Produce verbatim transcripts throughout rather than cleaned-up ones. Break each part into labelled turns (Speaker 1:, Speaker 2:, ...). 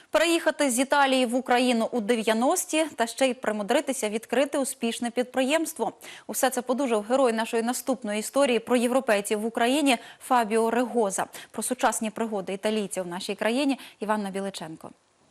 Speaker 1: Переїхати з Італії в Україну у дев'яності та ще й примудритися відкрити успішне підприємство. Усе це подужав герой нашої наступної історії про європейців в Україні Фабіо Регоза. Про сучасні пригоди італійців в нашій країні Іванна Біличенко.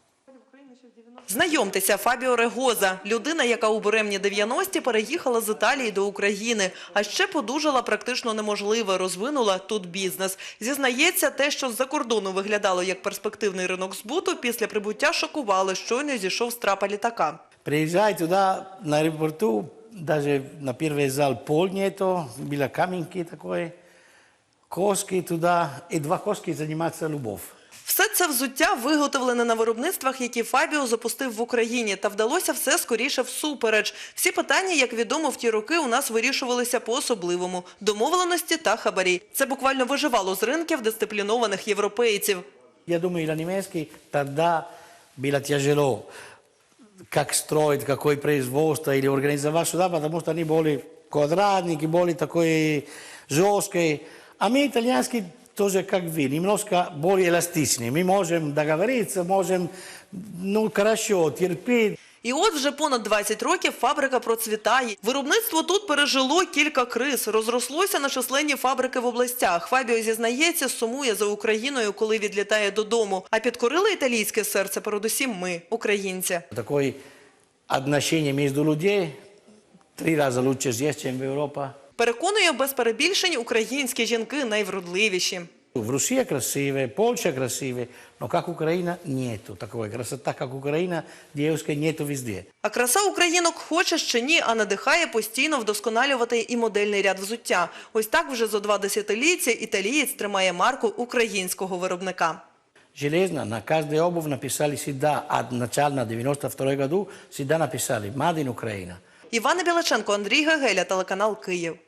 Speaker 2: Знайомтеся, Фабіо Регоза – людина, яка у буремні дев'яності переїхала з Італії до України. А ще подужала практично неможливе, розвинула тут бізнес. Зізнається, те, що з-за кордону виглядало як перспективний ринок збуту, після прибуття шокували, щойно зійшов з трапа літака.
Speaker 3: Приезжай туда, на аэропорту, даже на первый зал пол нету, были каменки такой, коски туда, и два коски заниматься любовь.
Speaker 2: Все це взуття виготовлене на виробництвах, які Фабіо запустив в Україні. Та вдалося все скоріше всупереч. Всі питання, як відомо, в ті роки у нас вирішувалися по-особливому – домовленості та хабарі. Це буквально виживало з ринків дисциплінованих європейців.
Speaker 3: Я думаю, для немецких тогда было тяжело, как строить, какое производство или организовать сюда, потому что они были квадратники, были такие жесткие. А мы, итальянские, тоже как вы, немножко более эластичные. Мы можем договориться, можем, ну, хорошо, терпеть.
Speaker 2: І от вже понад двадцять років фабрика процвітає. Виробництво тут пережило кілька криз, розрослося на численні фабрики в областях. Фабіо зізнається, сумує за Україною, коли відлітає додому. А підкорили італійське серце передусім ми, українці.
Speaker 3: Такое отношение между людей три рази лучше здесь, чем в Европе.
Speaker 2: Переконує без перебільшень, українські жінки найвродливіші.
Speaker 3: В России красивая, Польша красивая, но как Украина нету такой красоты, как Украина, девушка нету везде.
Speaker 2: А краса українок хоче чи ні, а надихає постійно вдосконалювати і модельний ряд взуття. Ось так вже зо два десятиліття італієць тримає марку українського виробника.
Speaker 3: Железно на каждую обувь написали всегда, от начала девяносто второго году всегда написали «Made in Ukraine».
Speaker 2: Іванна Біличенко, Андрій Гегеля, телеканал «Київ».